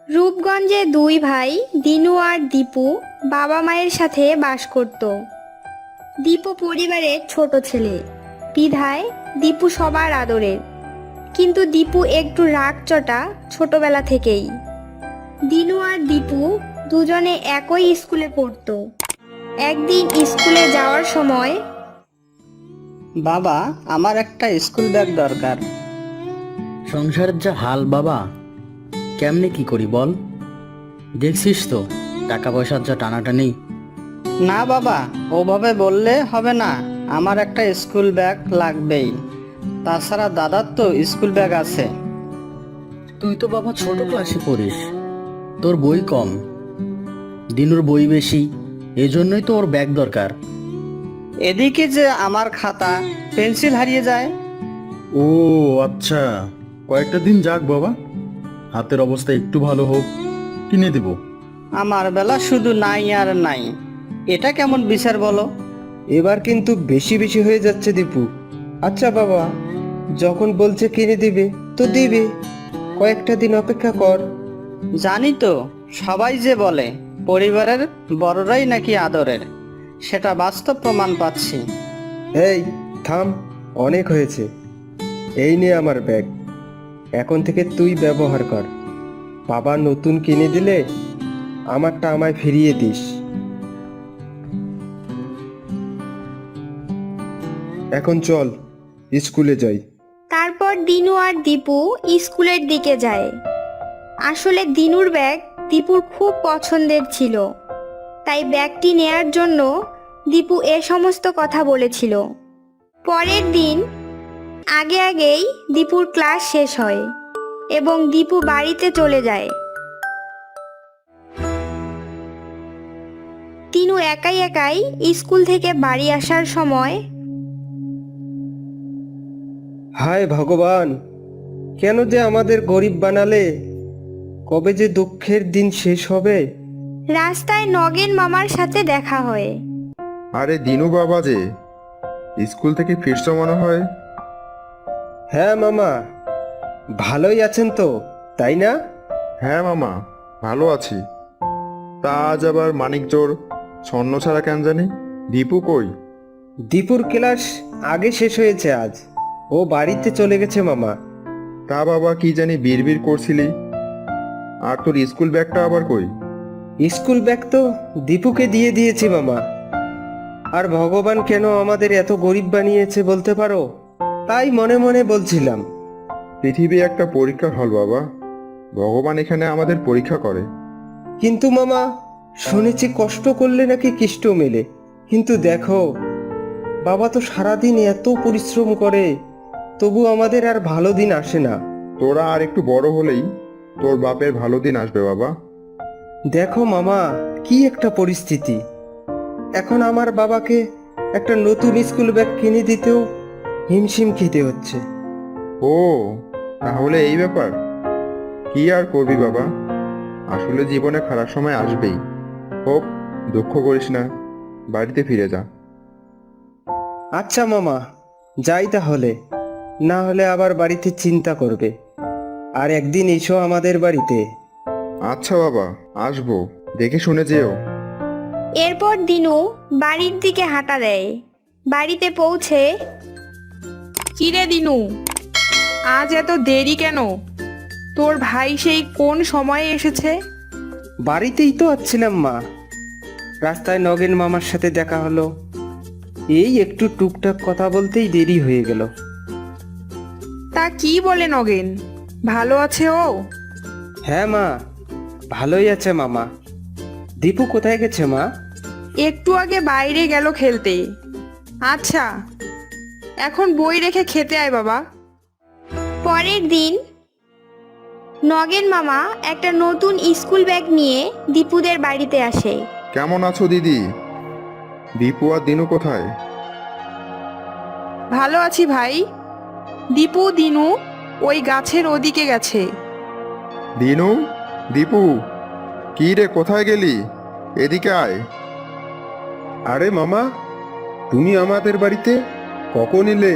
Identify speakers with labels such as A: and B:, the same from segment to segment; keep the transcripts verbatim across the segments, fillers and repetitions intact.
A: রূপগঞ্জে দুই ভাই দিনু আর দীপু বাবা মায়ের সাথে বাস করত। দীপু পরিবারের ছোট ছেলে, বিধায় দীপু সবার আদরের। কিন্তু দীপু একটু রাগচটা ছোটবেলা থেকেই। দিনু আর দীপু দুজনে একই স্কুলে পড়তো। একদিন স্কুলে যাওয়ার সময়,
B: বাবা, আমার একটা স্কুল ব্যাগ দরকার।
C: সংসারের যা হাল বাবা, কেমনে কি করি বল? দেখছিস তো টাকা পয়সার যা টানাটানি।
B: না বাবা, ওভাবে বললে হবে না। আমার একটা স্কুল ব্যাগ লাগবেই। তাছাড়া দাদার তো স্কুল ব্যাগ আছে।
C: তুই তো বাবা ছোট ক্লাসে পড়িস, তোর বই কম, দিনুর বই বেশি, এজন্যই তো ওর ব্যাগ দরকার।
B: এদিকে যে আমার খাতা পেন্সিল হারিয়ে যায়।
D: ও আচ্ছা, কয়েকটা দিন যাক বাবা, হাতের অবস্থা একটু ভালো হোক, কিনে দেব।
B: আমার বেলা শুধু নাই আর নাই। এটা কেমন বিচার বলো?
E: এবার কিন্তু বেশি বেশি হয়ে যাচ্ছে দীপু। আচ্ছা বাবা, যখন বলছে কিনে দিবে তো দিবে, কয়েকটা দিন অপেক্ষা কর।
B: জানি তো, সবাই যে বলে পরিবারের বড়রাই নাকি আদরের, সেটা বাস্তব প্রমাণ পাচ্ছি।
E: এই থাম, অনেক হয়েছে। এই নে আমার ব্যাগ, এখন থেকে তুই ব্যবহার কর। বাবা নতুন কিনে দিলে আমারটা আমায় ফিরিয়ে দিস। এখন চল স্কুলে যাই।
A: তারপর দিনু আর দীপু স্কুলের দিকে যায়। আসলে দিনুর ব্যাগ দীপুর খুব পছন্দের ছিল, তাই ব্যাগটি নেয়ার জন্য দীপু এ সমস্ত কথা বলেছিল। পরের দিন আগে আগেই দীপুর ক্লাস শেষ হয় এবং দীপু বাড়িতে চলে যায়। দিনু একাই একাই স্কুল থেকে বাড়ি আসার সময়,
E: হায় ভগবান, কেন যে আমাদের গরিব বানালে? কবে যে দুঃখের দিন শেষ হবে?
A: রাস্তায় নগেন মামার সাথে দেখা হয়।
F: আরে দিনু বাবা যে, স্কুল থেকে ফিরছো মনে হয়।
E: হ্যাঁ মামা, ভালোই আছেন তো, তাই না?
F: হ্যাঁ মামা, ভালো আছি। তা আজ আবার মানিকজোর স্বর্ণ ছাড়া কেন জানি? দীপু কই?
E: দীপুর ক্লাস আগে শেষ হয়েছে আজ, ও বাড়িতে চলে গেছে মামা।
F: তা বাবা কি জানি বিড়বিড় করছিলি? আর তোর স্কুল ব্যাগটা আবার কই?
E: স্কুল ব্যাগ তো দীপুকে দিয়ে দিয়েছি মামা। আর ভগবান কেন আমাদের এত গরিব বানিয়েছে বলতে পারো? তাই মনে মনে বলছিলাম।
F: পৃথিবী একটা পরীক্ষার হল বাবা, ভগবান এখানে আমাদের পরীক্ষা করে।
E: কিন্তু মামা, শুনেছি কষ্ট করলে নাকি কিষ্ট মেলে। কিন্তু দেখো, বাবা তো সারাদিন এত পরিশ্রম করে, তবু আমাদের আর ভালো দিন আসে না।
F: তোরা আর একটু বড় হলেই তোর বাপের ভালো দিন আসবে বাবা।
E: দেখো মামা, কি একটা পরিস্থিতি। এখন আমার বাবাকে একটা নতুন স্কুল ব্যাগ কিনে দিতেও হিমশিম খেতে হচ্ছে।
F: ও, তাহলে এই ব্যাপার। কি আর করবি বাবা, আসলে জীবনে খারাপ সময় আসবেই। হোক, দুঃখ করিস না, বাড়িতে ফিরে যা।
E: আচ্ছা মামা, যাই তাহলে, না হলে আবার বাড়িতে চিন্তা করবে। আর একদিন এসো আমাদের বাড়িতে।
F: আচ্ছা বাবা, আসবো, দেখে শুনে যেও।
A: এরপর দিনু বাড়ির দিকে হাঁটা দেয়। বাড়িতে পৌঁছে,
G: কিরে দিনু, আজ এত দেরি কেন? তোর ভাই সেই কোন সময়ে এসেছে?
E: বাড়িতেই তো আছিলাম মা, রাস্তায় নগেন মামার সাথে দেখা হলো। এই একটু টুকটাক কথা বলতেই দেরি হয়ে গেল।
G: তা কি বলে নগেন, ভালো আছে ও?
E: হ্যাঁ মা, ভালোই আছে মামা। দীপু কোথায় গেছে মা?
G: একটু আগে বাইরে গেল খেলতে। আচ্ছা, এখন বই রেখে খেতে আয় বাবা।
A: পরের দিন নগেন মামা একটা নতুন স্কুল ব্যাগ নিয়ে দীপুদের বাড়িতে আসে।
F: কেমন আছো দিদি? দীপু আর দিনু কোথায়?
G: ভালো আছি ভাই। দীপু দিনু ওই গাছের ওদিকে গেছে।
F: দিনু, দীপু, কি রে, কোথায় গেলি? এদিকে আয়।
E: আরে মামা, তুমি আমাদের বাড়িতে কখন এলে?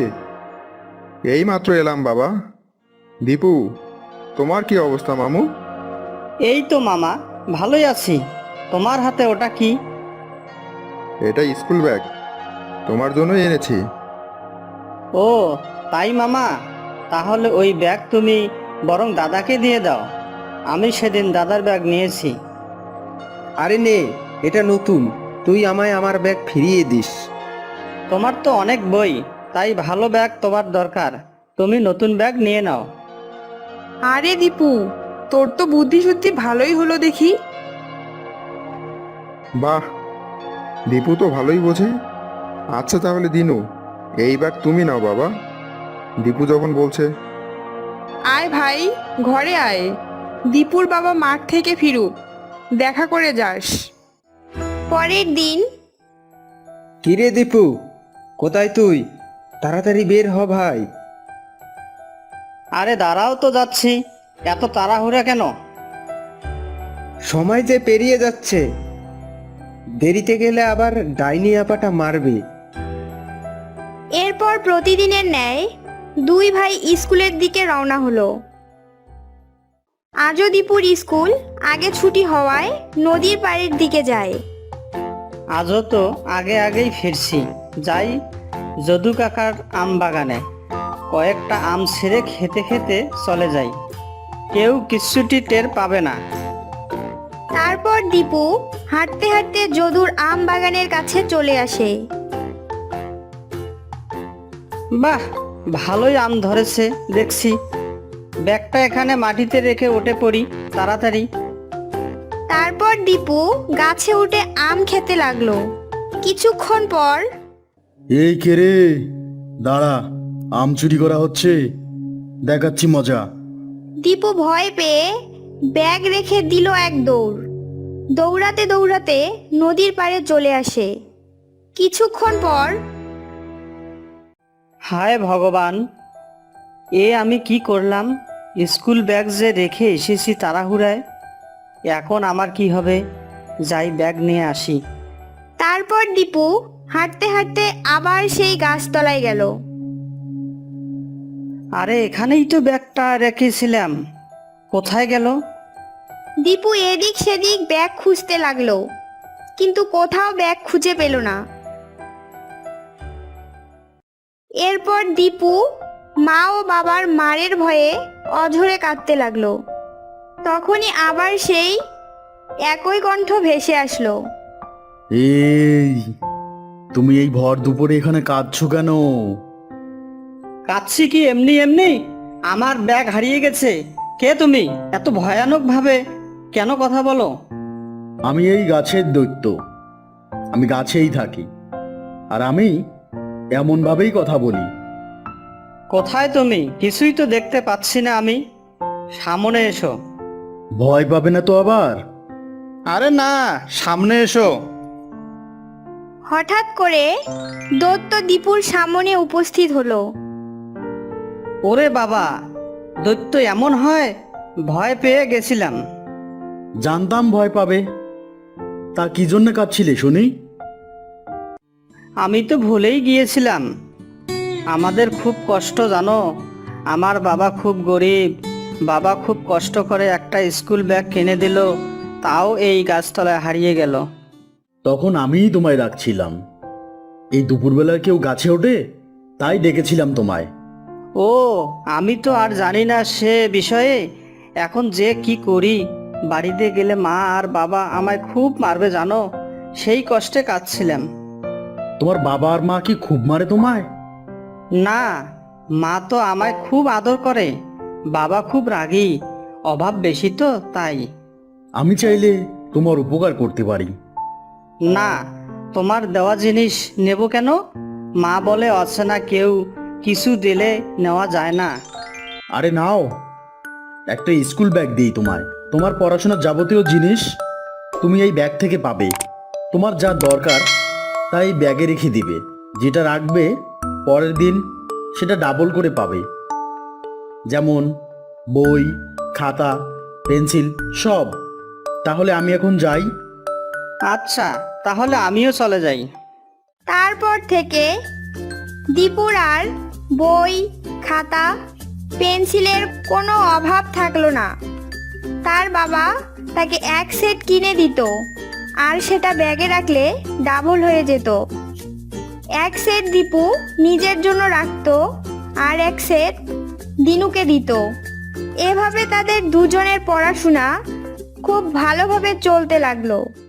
F: এই মাত্র এলাম বাবা। দীপু, তোমার কি অবস্থা মামু?
B: এই তো মামা, ভালোই আছি। তোমার হাতে ওটা কি?
F: এটা স্কুল ব্যাগ, তোমার জন্যই এনেছি।
B: ও তাই মামা, তাহলে ওই ব্যাগ তুমি বরং দাদাকে দিয়ে দাও। আমি সেদিন দাদার ব্যাগ নিয়েছি।
E: আরে নে, এটা নতুন, তুই আমায় আমার ব্যাগ ফিরিয়ে দিস।
B: তোমার তো অনেক বই, তাই ভালো ব্যাগ তোমার দরকার। তুমি নতুন ব্যাগ নিয়ে নাও।
G: আরে দীপু, তোর তো বুদ্ধি শুদ্ধি ভালোই হলো দেখি।
F: বাহ, দীপু তো ভালোই বোঝে। আচ্ছা তাহলে দিনু, এই ব্যাগ তুমি নাও বাবা, দীপু যখন বলছে।
G: আয় ভাই, ঘরে আয়। দীপুর বাবা মাঠ থেকে ফিরুক, দেখা করে যাস।
A: পরের দিন
E: কিরে দীপু, কোথায় তুই? তাড়াতাড়ি বের হ ভাই।
B: আরে দাঁড়াও তো, যাচ্ছি। এত তাড়াহুড়া কেন?
E: সময় যে পেরিয়ে যাচ্ছে, দেরিতে গেলে আবার ডাইনি আপাটা মারবে।
A: এরপর প্রতিদিনের ন্যায় দুই ভাই স্কুলের দিকে রওনা হলো। আজও দীপুর স্কুল আগে ছুটি হওয়ায় নদীর পাড়ের দিকে যায়।
B: আজও তো আগে আগেই ফিরছি। যাই যদু কাকার আম বাগানে, কয়েকটা আম ছেড়ে খেতে খেতে চলে যাই। কেউ কিচ্ছুটি টের পাবে না।
A: তারপর দীপু হাঁটতে হাঁটতে যদুর আম বাগানের কাছে চলে আসে।
B: বাহ, ভালোই আম ধরেছে দেখছি। ব্যাগটা এখানে মাটিতে রেখে উঠে পড়ি তাড়াতাড়ি।
A: তারপর দীপু গাছে উঠে আম খেতে লাগলো। কিছুক্ষণ পর
D: এই কে রে, দাঁড়া, আম চুরি করা হচ্ছে, দেখাচ্ছি মজা।
A: দীপু ভয় পেয়ে ব্যাগ রেখে দিল এক দৌড়। দৌড়াতে দৌড়াতে নদীর পাড়ে চলে আসে। কিছুক্ষণ পর
B: হায় ভগবান, এ আমি কি করলাম? স্কুল ব্যাগ যে রেখে এসেছি তাড়াহুড়ায়, এখন আমার কি হবে? যাই ব্যাগ নিয়ে আসি।
A: তারপর দীপু হাঁটতে হাঁটতে আবার সেই গাছতলায় গেল।
B: আরে এখানেই তো ব্যাগটা রেখেছিলাম, কোথায় গেল?
A: দীপু এদিক সেদিক ব্যাগ খুঁজতে লাগলো, কিন্তু কোথাও ব্যাগ খুঁজে পেল না। এরপর দীপু মা ও বাবার মারের ভয়ে অঝরে কাঁদতে লাগলো। তখনই আবার সেই একই কণ্ঠ ভেসে আসলো।
D: এই, তুমি এই ভর দুপুরে এখানে কাঁদছো কেন?
B: কাচ্ছি কি এমনি এমনি? আমার ব্যাগ হারিয়ে গেছে। কে তুমি? এত ভয়ানক ভাবে কেন কথা বলো?
D: আমি এই গাছের দৈত্য, আমি গাছেই থাকি, আর আমি এমন ভাবেই কথা বলি।
B: কোথায় তুমি? কিছুই তো দেখতে পাচ্ছি না আমি। সামনে এসো।
D: ভয় পাবে না তো আবার?
F: আরে না, সামনে এসো।
A: হঠাৎ করে দত্ত দীপুর সামনে উপস্থিত হলো।
B: ওরে বাবা, দৈত্য এমন হয়? ভয় পেয়ে গেছিলাম।
D: জানতাম ভয় পাবে। তা কি জন্য কাঁদছিলে শুনি?
B: আমি তো ভুলেই গিয়েছিলাম। আমাদের খুব কষ্ট জানো। আমার বাবা খুব গরিব। বাবা খুব কষ্ট করে একটা স্কুল ব্যাগ কিনে দিল, তাও এই গাছতলায় হারিয়ে গেল।
D: তখন আমিই তোমায় ডাকছিলাম। এই দুপুরবেলায় কেউ গাছে ওঠে, তাই ডেকেছিলাম তোমায়।
B: ও, আমি তো আর জানি না সে বিষয়ে। এখন যে কি করি? বাড়িতে গেলে মা আর বাবা আমায় খুব মারবে জানো। সেই কষ্টে কাঁদছিলাম।
D: তোমার বাবা আর মা কি খুব মারে তোমায়?
B: না, মা তো আমায় খুব আদর করে। বাবা খুব রাগী, অভাব বেশি তো তাই।
D: আমি চাইলে তোমার উপকার করতে পারি।
B: না, তোমার দেওয়া জিনিস নেব কেন? মা বলে অচেনা কেউ কিছু দিলে নেওয়া যায় না।
D: আরে নাও, একটা স্কুল ব্যাগ দিই তোমায়। তোমার পড়াশোনার যাবতীয় জিনিস তুমি এই ব্যাগ থেকে পাবে। তোমার যা দরকার তাই ব্যাগে রেখে দিবে। যেটা রাখবে পরের দিন সেটা ডাবল করে পাবে। যেমন বই, খাতা, পেন্সিল সব। তাহলে আমি এখন যাই।
B: আচ্ছা, তাহলে আমিও চলে যাই।
A: তারপর থেকে দীপুর আর বই, খাতা, পেন্সিলের কোনো অভাব থাকলো না। তার বাবা তাকে এক সেট কিনে দিত, আর সেটা ব্যাগে রাখলে ডাবল হয়ে যেত। এক সেট দীপু নিজের জন্য রাখতো, আর এক সেট দিনুকে দিত। এভাবে তাদের দুজনের পড়াশোনা খুব ভালোভাবে চলতে লাগলো।